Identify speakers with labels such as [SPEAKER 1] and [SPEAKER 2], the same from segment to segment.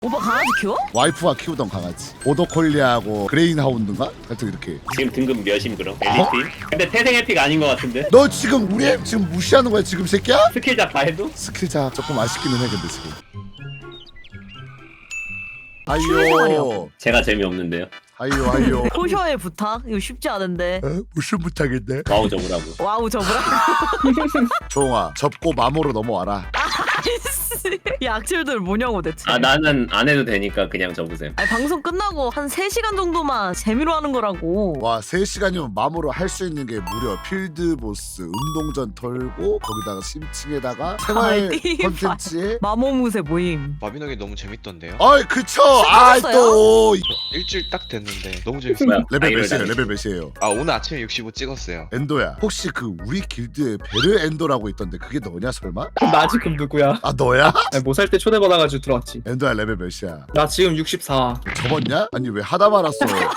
[SPEAKER 1] 오빠 강아지 키워?
[SPEAKER 2] 와이프가 키우던 강아지 보더콜리하고 그레인하운드인가? 하여튼 이렇게.
[SPEAKER 3] 지금 등급 몇임 그럼? 엘리트? 근데 태생 에픽 아닌 것 같은데?
[SPEAKER 2] 너 지금 우리 애 지금 무시하는 거야 지금 새끼야?
[SPEAKER 3] 스킬자 다 해도?
[SPEAKER 2] 스킬자 조금 아쉽기는 해 근데 지금.
[SPEAKER 1] 실례하려.
[SPEAKER 2] 아이요
[SPEAKER 3] 제가 재미없는데요.
[SPEAKER 2] 아이요
[SPEAKER 1] 포셔의 부탁? 이거 쉽지 않은데.
[SPEAKER 2] 무슨 부탁인데?
[SPEAKER 3] 와우 접으라고.
[SPEAKER 1] 와우 접으라.
[SPEAKER 2] 조홍아 접고 마모로 넘어와라.
[SPEAKER 1] 이 악질들 뭐냐고 대체.
[SPEAKER 3] 아 나는 안 해도 되니까 그냥 접으세요.
[SPEAKER 1] 아니 방송 끝나고 한 3시간 정도만 재미로 하는 거라고.
[SPEAKER 2] 와 3시간이면 마모로 할 수 있는 게 무려 필드보스 운동전 털고 거기다가 심층에다가 생활
[SPEAKER 1] 아이,
[SPEAKER 2] 컨텐츠에
[SPEAKER 1] 마모무새 모임.
[SPEAKER 4] 마비노기 너무 재밌던데요?
[SPEAKER 2] 아이 그쵸
[SPEAKER 1] 끝났어요?
[SPEAKER 2] 아또
[SPEAKER 4] 일주일 딱 됐는데 너무 재밌어요.
[SPEAKER 3] 뭐야?
[SPEAKER 2] 레벨
[SPEAKER 3] 아이를
[SPEAKER 2] 몇이에요
[SPEAKER 3] 다니-
[SPEAKER 2] 레벨 몇이에요?
[SPEAKER 4] 아 오늘 아침에 65 찍었어요.
[SPEAKER 2] 엔도야 혹시 그 우리 길드에 베르 엔도라고 있던데 그게 너냐 설마?
[SPEAKER 5] 나 지금 누구야?
[SPEAKER 2] 아 너야?
[SPEAKER 5] 뭐 살 때 초대받아가지고 들어왔지.
[SPEAKER 2] 엔도야 레벨 몇이야?
[SPEAKER 5] 나 지금 64.
[SPEAKER 2] 접었냐? 아니 왜 하다 말았어?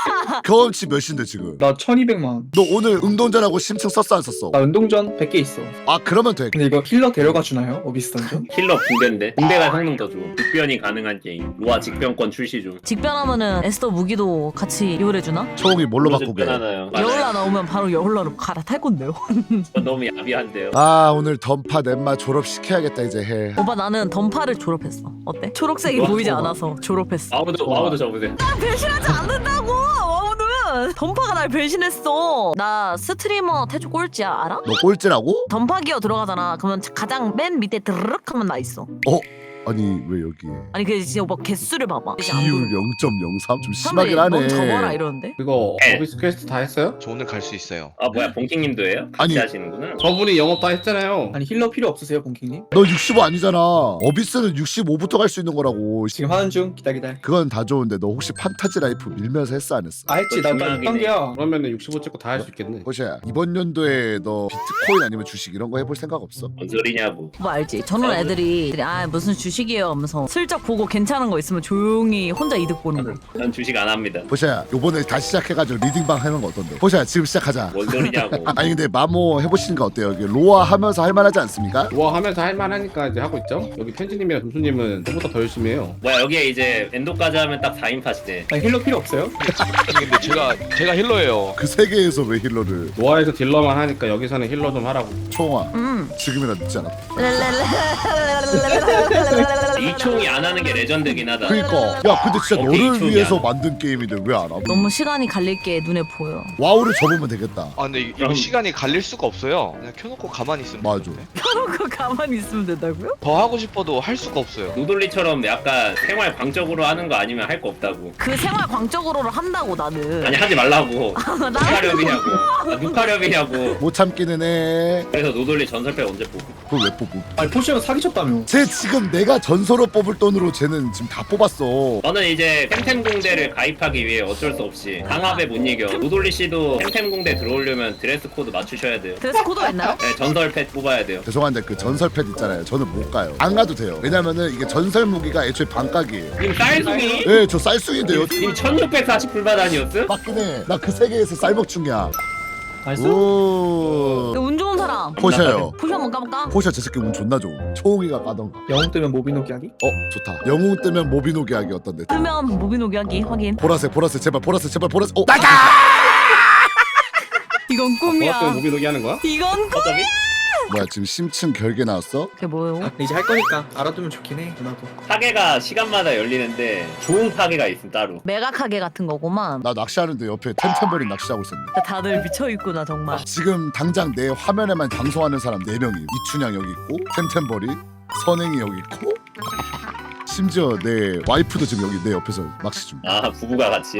[SPEAKER 2] 경험치 몇인데 지금?
[SPEAKER 5] 나 1200만.
[SPEAKER 2] 너 오늘 운동전하고 심층 썼어 안 썼어?
[SPEAKER 5] 나 운동전 100개 있어.
[SPEAKER 2] 아 그러면 돼.
[SPEAKER 5] 근데 이거 힐러 데려가 주나요? 어비스 던전?
[SPEAKER 3] 힐러 붕대인데 붕대가 성능 더 좋아. 직변이 가능한 게임. 로아 직변권 출시 중.
[SPEAKER 1] 직변하면은 에스더 무기도 같이 요울해주나?
[SPEAKER 2] 초홍이 뭘로 바꾸게?
[SPEAKER 3] 하나요?
[SPEAKER 1] 여울라 나오면 바로 여울라로 갈아탈 건데요.
[SPEAKER 3] 너무 야비한데요.
[SPEAKER 2] 아 오늘 던파 넷마 졸업시켜야겠다 이제 해.
[SPEAKER 1] 오빠 나는 던파를 졸업했어. 어때? 초록색이 보이지 않아서 졸업했어.
[SPEAKER 3] 와우도 접으세요.
[SPEAKER 1] 배신하지 않는다고! 와우는! 던파가 날 배신했어. 나 스트리머 태조 꼴찌야 알아?
[SPEAKER 2] 너 꼴찌라고?
[SPEAKER 1] 던파 기어 들어가잖아. 그러면 가장 맨 밑에 드르륵 하면 나 있어.
[SPEAKER 2] 아니 왜 여기에?
[SPEAKER 1] 아니 그 진짜 오빠 개수를 봐봐. 이제 안
[SPEAKER 2] 비율
[SPEAKER 1] 보여.
[SPEAKER 2] 0.03? 좀
[SPEAKER 1] 사람들이
[SPEAKER 2] 심하긴 하네.
[SPEAKER 1] 넌 접어라 이러는데.
[SPEAKER 6] 그거
[SPEAKER 3] 네.
[SPEAKER 6] 어비스 퀘스트 다 했어요?
[SPEAKER 4] 저 오늘 갈 수 있어요.
[SPEAKER 3] 아 뭐야 봉킹님도 해요? 같이
[SPEAKER 2] 아니.
[SPEAKER 3] 하시는구나.
[SPEAKER 6] 저분이 영업 다 했잖아요.
[SPEAKER 5] 아니 힐러 필요 없으세요, 본킹님?
[SPEAKER 2] 너 65 아니잖아. 어비스는 65부터 갈 수 있는 거라고.
[SPEAKER 5] 지금 하는 중. 기다.
[SPEAKER 2] 그건 다 좋은데 너 혹시 판타지 라이프 밀면서 했어 안 했어?
[SPEAKER 5] 아 했지. 나
[SPEAKER 3] 중요하긴
[SPEAKER 5] 6단계야.
[SPEAKER 6] 그러면은 65 찍고 다 할 수 있겠네.
[SPEAKER 2] 호시야 이번 연도에 너 비트코인 아니면 주식 이런 거 해볼 생각 없어?
[SPEAKER 3] 뭔 소리냐고.
[SPEAKER 1] 뭐 알지? 저는 애들이 아 무슨 주식이에요 하면서 슬쩍 보고 괜찮은 거 있으면 조용히 혼자 이득 보는 거.
[SPEAKER 3] 난 주식 안 합니다.
[SPEAKER 2] 호시야 요번에 다시 시작해가지고 리딩방 하는 거 어떤데? 호시야 지금 시작하자.
[SPEAKER 3] 뭔 소리냐고.
[SPEAKER 2] 아니 근데 마모 해보시는 거 어때요? 이게 로아 하면서 할만하지 않습니까?
[SPEAKER 6] 뭐 하면서 할만하니까 이제 하고 있죠. 여기 편지님이랑 점수님은 저보다 더 열심히 해요.
[SPEAKER 3] 뭐야 여기에 이제 엔도까지 하면 딱 4인 팟이네.
[SPEAKER 5] 아니 힐러 필요 없어요?
[SPEAKER 4] 아니, 근데 제가 힐러예요.
[SPEAKER 2] 그 세계에서 왜 힐러를?
[SPEAKER 6] 노아에서 딜러만 하니까 여기서는 힐러 좀 하라고.
[SPEAKER 2] 총아 지금이나 늦지 않았다.
[SPEAKER 3] 이총이 안 하는 게 레전드긴 하다.
[SPEAKER 2] 그니까 야 근데 진짜
[SPEAKER 3] 오케이,
[SPEAKER 2] 너를
[SPEAKER 3] 이쪽이야.
[SPEAKER 2] 위해서 만든 게임인데 왜 안 하고?
[SPEAKER 1] 너무 시간이 갈릴 게 눈에 보여.
[SPEAKER 2] 와우를 접으면 되겠다.
[SPEAKER 4] 아 근데 이거
[SPEAKER 3] 그럼-
[SPEAKER 4] 시간이 갈릴 수가 없어요. 그냥 켜놓고 가만히 있으면
[SPEAKER 2] 맞아.
[SPEAKER 4] 되는데.
[SPEAKER 1] 켜놓고 가만히 있으면 된다고요?
[SPEAKER 4] 더 하고 싶어도 할 수가 없어요.
[SPEAKER 3] 노돌리처럼 약간 생활 광적으로 하는 거 아니면 할 거 없다고.
[SPEAKER 1] 그 생활 광적으로를 한다고 나는.
[SPEAKER 3] 아니 하지 말라고.
[SPEAKER 1] 나는
[SPEAKER 3] 누카렵이냐고. 누카렵이냐고.
[SPEAKER 2] 못 참기는 해.
[SPEAKER 3] 그래서 노돌리 전설팩 언제 뽑고?
[SPEAKER 2] 그걸 왜 뽑고?
[SPEAKER 5] 아니 포시가 사기쳤다며.
[SPEAKER 2] 쟤 지금 내가 전설로 뽑을 돈으로 쟤는 지금 다 뽑았어.
[SPEAKER 3] 저는 이제 템템공대를 가입하기 위해 어쩔 수 없이 강압에 못 이겨. 노돌리 씨도 템템공대 들어오려면 드레스 코드 맞추셔야 돼요.
[SPEAKER 1] 드레스 코드가 있나요?
[SPEAKER 3] 네, 전설팩 뽑아야 돼요.
[SPEAKER 2] 죄송한데 그 전설 팻 있잖아요. 저는 못 가요. 안 가도 돼요. 왜냐면은 이게 전설 무기가 애초에 반값이에요.
[SPEAKER 3] 님 쌀숭이?
[SPEAKER 2] 예, 저 쌀숭인데요.
[SPEAKER 3] 님 1640불 아니었어?
[SPEAKER 2] 맞긴 해. 나 그 세계에서 쌀먹충이야.
[SPEAKER 5] 나이스.
[SPEAKER 2] 오.
[SPEAKER 1] 운 좋은 사람.
[SPEAKER 2] 포셔요.
[SPEAKER 1] 포셔 한번 까볼까?
[SPEAKER 2] 포셔 저 새끼 운 존나 좋음. 초홍이가 까던가.
[SPEAKER 5] 영웅 뜨면 모비노기 하기?
[SPEAKER 2] 좋다. 영웅 뜨면 모비노기 하기 어떤데?
[SPEAKER 1] 뜨면 모비노기 하기 확인.
[SPEAKER 2] 보라색 제발 보라색. 나가!
[SPEAKER 1] 이건 꿈이야.
[SPEAKER 6] 노아 때문에 모비노기 하는 거야?
[SPEAKER 1] 이건 꿈.
[SPEAKER 3] 어차피
[SPEAKER 2] 뭐야 지금 심층 결계 나왔어?
[SPEAKER 1] 그게 뭐예요?
[SPEAKER 5] 근데 이제 할 거니까 알아두면 좋긴 해. 나도.
[SPEAKER 3] 파괴가 시간마다 열리는데 좋은 파괴가 있음 따로.
[SPEAKER 1] 메가카게 같은 거구만.
[SPEAKER 2] 나 낚시하는데 옆에 템템버린 낚시하고 있었네.
[SPEAKER 1] 다들 미쳐있구나 정말.
[SPEAKER 2] 지금 당장 내 화면에만 방송하는 사람 4명이 이춘향 여기 있고 템템버린 선행이 여기 있고 심지어 내 와이프도 지금 여기 내 옆에서 낚시 중.
[SPEAKER 3] 아 부부가 같이.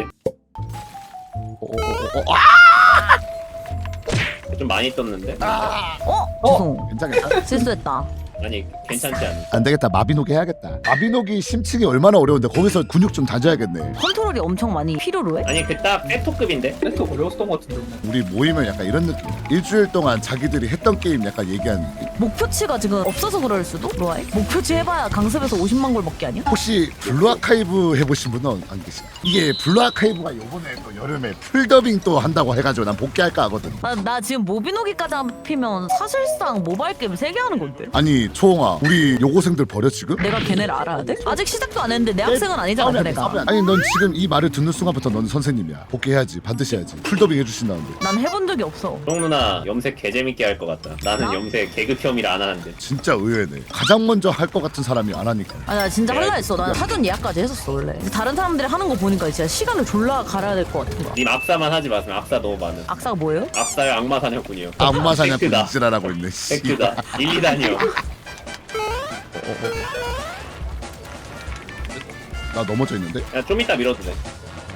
[SPEAKER 3] 좀 많이 떴는데?
[SPEAKER 1] 죄송.
[SPEAKER 2] 괜찮겠다.
[SPEAKER 1] 실수했다.
[SPEAKER 3] 아니 괜찮지 않아?
[SPEAKER 2] 안 되겠다. 마비노기 해야겠다. 마비노기 심층이 얼마나 어려운데 거기서 근육 좀 다져야겠네.
[SPEAKER 1] 컨트롤이 엄청 많이 필요로 해?
[SPEAKER 3] 아니 그딱 세토급인데?
[SPEAKER 5] 세트 어려웠던 것 같은데.
[SPEAKER 2] 우리 모이면 약간 이런 느낌. 일주일 동안 자기들이 했던 게임 약간 얘기하는 느낌.
[SPEAKER 1] 목표치가 지금 없어서 그럴 수도? 로아이? 목표치 해봐야 강습에서 50만 골 먹기 아니야?
[SPEAKER 2] 혹시 블루 아카이브 해보신 분은 안 계시나? 이게 블루 아카이브가 요번에 또 여름에 풀더빙 또 한다고 해가지고 난 복귀할까 하거든.
[SPEAKER 1] 나 지금 모비노기까지 합히면 사실상 모바일 게임 3개 하는 건데.
[SPEAKER 2] 아니 초홍아 뭐야 우리 요고생들 버려 지금?
[SPEAKER 1] 내가 걔네를 알아야 돼? 아직 시작도 안 했는데 내 학생은 아니잖아
[SPEAKER 2] 싸우면 안 돼,
[SPEAKER 1] 걔네가.
[SPEAKER 2] 싸우면 안 돼. 아니 넌 지금 이 말을 듣는 순간부터 넌 선생님이야. 복귀해야지. 반드시 해야지. 풀더빙 해주신다는데.
[SPEAKER 1] 난 해본 적이 없어.
[SPEAKER 3] 송 누나 염색 개재밌게 할 것 같다. 나는
[SPEAKER 1] 나?
[SPEAKER 3] 염색 개그 혐의를 안 하는데.
[SPEAKER 2] 진짜 의외네. 가장 먼저 할 것 같은 사람이 안 하니까.
[SPEAKER 1] 아 나 진짜 할라 했어. 난 사전 예약까지 했었어 원래. 다른 사람들이 하는 거 보니까 진짜 시간을 졸라 갈아야 될 것 같은 거야.
[SPEAKER 3] 님 악사만 하지 마세요. 악사 너무 많은.
[SPEAKER 1] 악사가 뭐예요?
[SPEAKER 3] 악사요 악마 사냥꾼이요.
[SPEAKER 2] 악마 사냥꾼
[SPEAKER 3] 팩트다.
[SPEAKER 2] 이지랄하고 있네. 씨.
[SPEAKER 3] 팩트다. 1, 2단이요.
[SPEAKER 2] 나 넘어져 있는데?
[SPEAKER 3] 야, 좀 이따 밀어도 돼.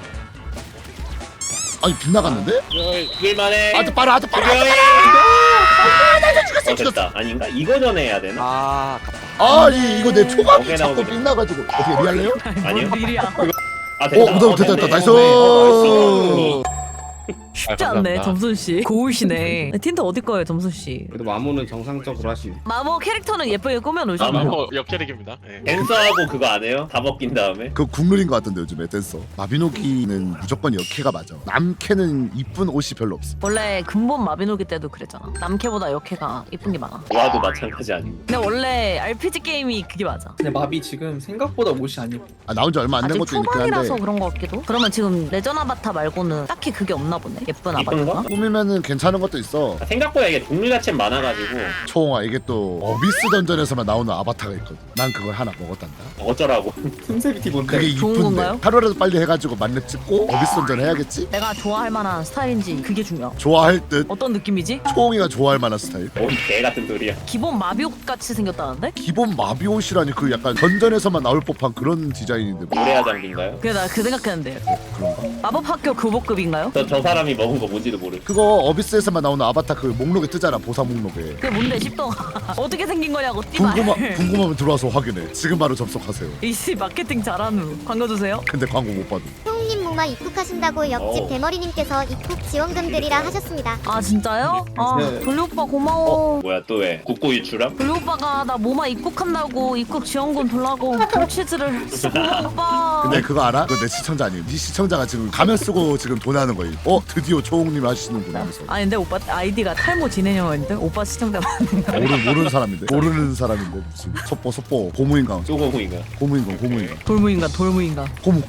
[SPEAKER 2] 아니 빗나갔는데?
[SPEAKER 3] 그럴만해.
[SPEAKER 2] 아주 빨아 아주 빨아.
[SPEAKER 3] 죽여해.
[SPEAKER 2] 죽였어 죽였어.
[SPEAKER 3] 됐다. 아닌가? 이거 전에 해야 되나?
[SPEAKER 4] 아
[SPEAKER 2] 아니 이거 내 초밥이
[SPEAKER 3] 어깨
[SPEAKER 2] 자꾸
[SPEAKER 3] 나오게.
[SPEAKER 2] 빗나가지고 어떻게 리할래요?
[SPEAKER 3] 아니요?
[SPEAKER 1] 뭔 일이야.
[SPEAKER 3] 아 됐다.
[SPEAKER 2] 됐다
[SPEAKER 3] 됐네.
[SPEAKER 2] 나이스.
[SPEAKER 3] 나이스.
[SPEAKER 1] 쉽지
[SPEAKER 4] 아,
[SPEAKER 1] 않네
[SPEAKER 4] 감사합니다.
[SPEAKER 1] 점순 씨. 고우시네. 틴트 어디 거예요 점순 씨?
[SPEAKER 6] 그래도 마모는 정상적으로 하시네.
[SPEAKER 1] 마모 캐릭터는 예쁘게 꾸며놓으시고.
[SPEAKER 3] 마모.
[SPEAKER 7] 역캐릭입니다. 네.
[SPEAKER 3] 댄서하고 그거 안 해요? 다 벗긴 다음에?
[SPEAKER 2] 그 국룰인 것 같던데 요즘에 댄서. 마비노기는 무조건 여캐가 맞아. 남캐는 이쁜 옷이 별로 없어.
[SPEAKER 1] 원래 근본 마비노기 때도 그랬잖아. 남캐보다 여캐가 이쁜 게 많아.
[SPEAKER 3] 와도 마찬가지 아니고.
[SPEAKER 1] 근데 원래 RPG 게임이 그게 맞아.
[SPEAKER 5] 근데 마비 지금 생각보다 옷이 안 입어.
[SPEAKER 2] 아 나온 지 얼마 안 된
[SPEAKER 1] 아직
[SPEAKER 2] 것도 있긴
[SPEAKER 1] 초반이라서
[SPEAKER 2] 한데
[SPEAKER 1] 그런 것 같기도. 그러면 지금 레전 아바타 말고는 딱히 그게 없나 보네. 예쁜
[SPEAKER 3] 이쁜 거?
[SPEAKER 1] 아바타가.
[SPEAKER 2] 꾸미면은 괜찮은 것도 있어.
[SPEAKER 3] 아, 생각보다 이게 종류 자체는 많아가지고
[SPEAKER 2] 초홍아 이게 또 어비스 던전에서만 나오는 아바타가 있거든. 난 그걸 하나 먹었단다.
[SPEAKER 3] 어쩌라고.
[SPEAKER 5] 틈새비티 뭔데?
[SPEAKER 2] 그게
[SPEAKER 1] 좋은
[SPEAKER 2] 이쁜데
[SPEAKER 1] 건가요?
[SPEAKER 2] 하루라도 빨리 해가지고 만렙 찍고 어비스 던전 해야겠지?
[SPEAKER 1] 내가 좋아할 만한 스타일인지 그게 중요해.
[SPEAKER 2] 좋아할 듯.
[SPEAKER 1] 어떤 느낌이지?
[SPEAKER 2] 초홍이가 좋아할 만한 스타일.
[SPEAKER 3] 뭔 개 같은 소리야.
[SPEAKER 1] 기본 마비옷 같이 생겼다는데?
[SPEAKER 2] 기본 마비 옷이라니 그 약간 던전에서만 나올 법한 그런 디자인인데 뭐
[SPEAKER 3] 노래야 장비인가요?
[SPEAKER 1] 그래 나 그 생각했는데.
[SPEAKER 2] 그런가?
[SPEAKER 1] 마법학교 교복급인가요?
[SPEAKER 3] 저 사람이 먹은 거 뭔지도 모르.
[SPEAKER 2] 그거 어비스에서만 나오는 아바타 그 목록에 뜨잖아. 보사 목록에.
[SPEAKER 1] 그게 뭔데 십동 어떻게 생긴 거냐고 띠발.
[SPEAKER 2] 궁금하면 들어와서 확인해. 지금 바로 접속하세요.
[SPEAKER 1] 이씨 마케팅 잘하는 후. 광고 주세요.
[SPEAKER 2] 근데 광고 못 봐도.
[SPEAKER 8] 형님 무마 입국하신다고 옆집
[SPEAKER 3] 오.
[SPEAKER 8] 대머리님께서 입국 지원금 드리라 하셨습니다.
[SPEAKER 1] 아 진짜요? 아
[SPEAKER 5] 네.
[SPEAKER 1] 돌리 오빠 고마워.
[SPEAKER 3] 뭐야 또 왜? 국고 유출함?
[SPEAKER 1] 돌리 오빠가 나 모마 입국한다고 입국 지원금 돌라고 돌치즈를 쓰고 오빠.
[SPEAKER 2] 근데 그거 알아? 그거 내 시청자 아니에요. 네 시청자가 지금 가면 쓰고 지금 돈하는 거예요. 드디어 초홍님 하시는구나 하면서.
[SPEAKER 1] 아니 근데 오빠 아이디가 탈모 진행형인데 오빠 시청자 많은 거.
[SPEAKER 2] 모르는 사람인데. 모르는 사람인데 무슨 속보 고무인간
[SPEAKER 3] 쪼고무인가?
[SPEAKER 2] 고무인간
[SPEAKER 1] 돌무인간 돌무인간.
[SPEAKER 2] 고무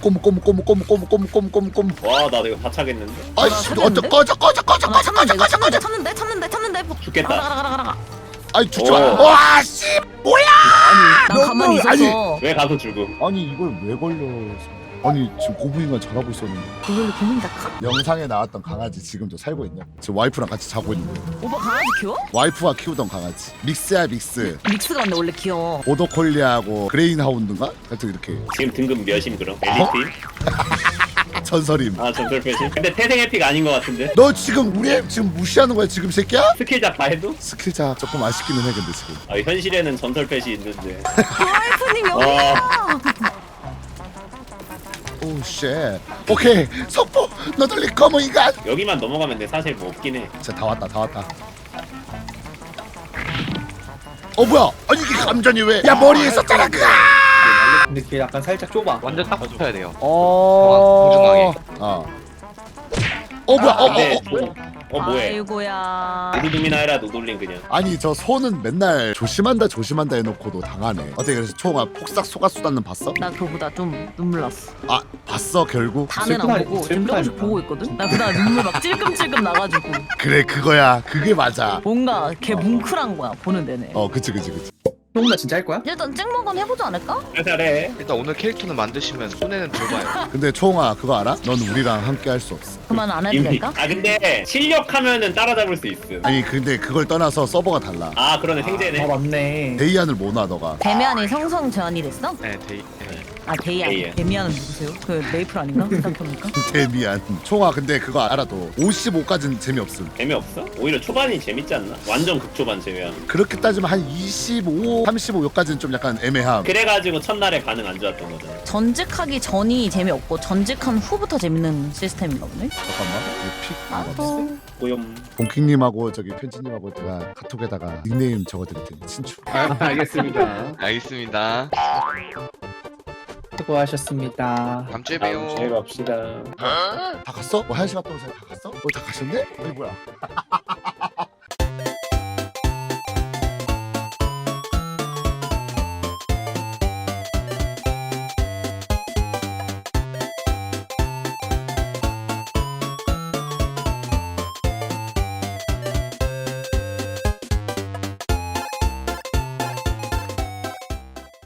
[SPEAKER 3] 와, 나 이거 다 차겠는데?
[SPEAKER 2] 아이씨
[SPEAKER 1] 찾았는데?
[SPEAKER 2] 꺼져
[SPEAKER 1] 아, 참는데 이거 찾는데.
[SPEAKER 3] 죽겠다.
[SPEAKER 1] 가라.
[SPEAKER 2] 아이 죽지 마.
[SPEAKER 3] 오.
[SPEAKER 2] 와씨 뭐야
[SPEAKER 1] 난
[SPEAKER 2] 너무-
[SPEAKER 1] 가만히 있었어.
[SPEAKER 3] 왜 가서 죽음?
[SPEAKER 2] 아니 이걸 왜 걸렸어. 아니 지금 고무인간 잘하고 있었는데.
[SPEAKER 1] 그걸로 고민다 카?
[SPEAKER 2] 영상에 나왔던 강아지 지금도 살고 있냐? 지금 와이프랑 같이 자고 있는데.
[SPEAKER 1] 오빠 강아지 키워?
[SPEAKER 2] 와이프가 키우던 강아지 믹스야 믹스.
[SPEAKER 1] 믹스가 근데 원래 귀여워.
[SPEAKER 2] 보더콜리하고 그레인하운드인가? 하여튼 이렇게
[SPEAKER 3] 지금 등급 몇임 그럼? 엘리트?
[SPEAKER 2] 전설임.
[SPEAKER 3] 아, 전설 패시? 근데 태생 에픽 아닌 것 같은데?
[SPEAKER 2] 너 지금 우리 애 지금 무시하는 거야 지금 새끼야?
[SPEAKER 3] 스킬작 다 해도?
[SPEAKER 2] 스킬자 조금 아쉽기는 해 근데 지금.
[SPEAKER 3] 아, 현실에는 전설 패시 있는데.
[SPEAKER 1] 와이프님 여기.
[SPEAKER 3] 와,
[SPEAKER 2] 오 쉣. 오케이 속보 너덜리 검은 인간.
[SPEAKER 3] 여기만 넘어가면 돼. 사실 뭐 없긴 해.
[SPEAKER 2] 진짜 다 왔다. 뭐야? 아니 이게 감전이 왜? 야 머리에 있었잖아 그.
[SPEAKER 5] 근데 그게 약간 살짝 좁아.
[SPEAKER 4] 완전 딱 붙어야 돼요.
[SPEAKER 2] 공정하게. 뭐야?
[SPEAKER 3] 근데 뭐해?
[SPEAKER 1] 아이고야.
[SPEAKER 3] 노드둠이나 해라 노돌림 그냥.
[SPEAKER 2] 아니 저 손은 맨날 조심한다 해놓고도 당하네. 어떻게 그래서 총아 폭삭 속았수다는 봤어?
[SPEAKER 1] 나 그거보다 좀 눈물 났어.
[SPEAKER 2] 아 봤어 결국?
[SPEAKER 1] 다는 안
[SPEAKER 5] 슬프다,
[SPEAKER 1] 보고 지금 조금씩
[SPEAKER 5] 슬프다니까.
[SPEAKER 1] 보고 있거든. 나 그다음 눈물 막 찔끔찔끔 나가지고
[SPEAKER 2] 그래 그거야 그게 맞아.
[SPEAKER 1] 뭔가 걔 뭉클한 거야 보는 내내.
[SPEAKER 2] 그치.
[SPEAKER 5] 형나 진짜 할 거야?
[SPEAKER 1] 일단 찍먹은 해보지 않을까?
[SPEAKER 3] 잘해.
[SPEAKER 4] 일단 오늘 캐릭터는 만드시면 손에는 들어봐요.
[SPEAKER 2] 근데 총아 그거 알아? 넌 우리랑 함께 할 수 없어.
[SPEAKER 1] 그만 안 해도
[SPEAKER 3] 이미.
[SPEAKER 1] 될까?
[SPEAKER 3] 아, 근데 실력하면은 따라잡을 수 있어.
[SPEAKER 2] 아니 근데 그걸 떠나서 서버가 달라.
[SPEAKER 3] 아, 그러네 생제네.
[SPEAKER 5] 아 맞네.
[SPEAKER 2] 데이안을 못 놔 너가.
[SPEAKER 1] 데미안이 성성 제한이 됐어?
[SPEAKER 4] 네, 네.
[SPEAKER 1] 아 데이안.
[SPEAKER 3] 데이안.
[SPEAKER 1] 데미안은 누구세요? 그 메이플 아닌가? 생각해보니까.
[SPEAKER 2] 데미안. 총아 근데 그거 알아도 55까지는 재미없음.
[SPEAKER 3] 재미없어? 오히려 초반이 재밌지 않나? 완전 극초반 제외하면.
[SPEAKER 2] 그렇게 따지면 한 25, 35 여기까지는 좀 약간 애매함.
[SPEAKER 3] 그래가지고 첫날에 반응 안 좋았던 거잖아.
[SPEAKER 1] 전직하기 전이 재미없고 전직한 후부터 재밌는 시스템인가 보네.
[SPEAKER 2] 잠깐만. 이거 픽.
[SPEAKER 1] 아 또.
[SPEAKER 3] 고염.
[SPEAKER 2] 봉킹님하고 저기 편지님하고 제가 카톡에다가 닉네임 적어드릴 테니 친추.
[SPEAKER 6] 알겠습니다.
[SPEAKER 4] 알겠습니다.
[SPEAKER 5] 수고하셨습니다.
[SPEAKER 4] 다음 주에
[SPEAKER 3] 다음 주에
[SPEAKER 4] 봬요.
[SPEAKER 3] 봅시다.
[SPEAKER 2] 다 갔어? 뭐 1시간 동안 다 갔어? 다 가셨네? 아니 뭐야?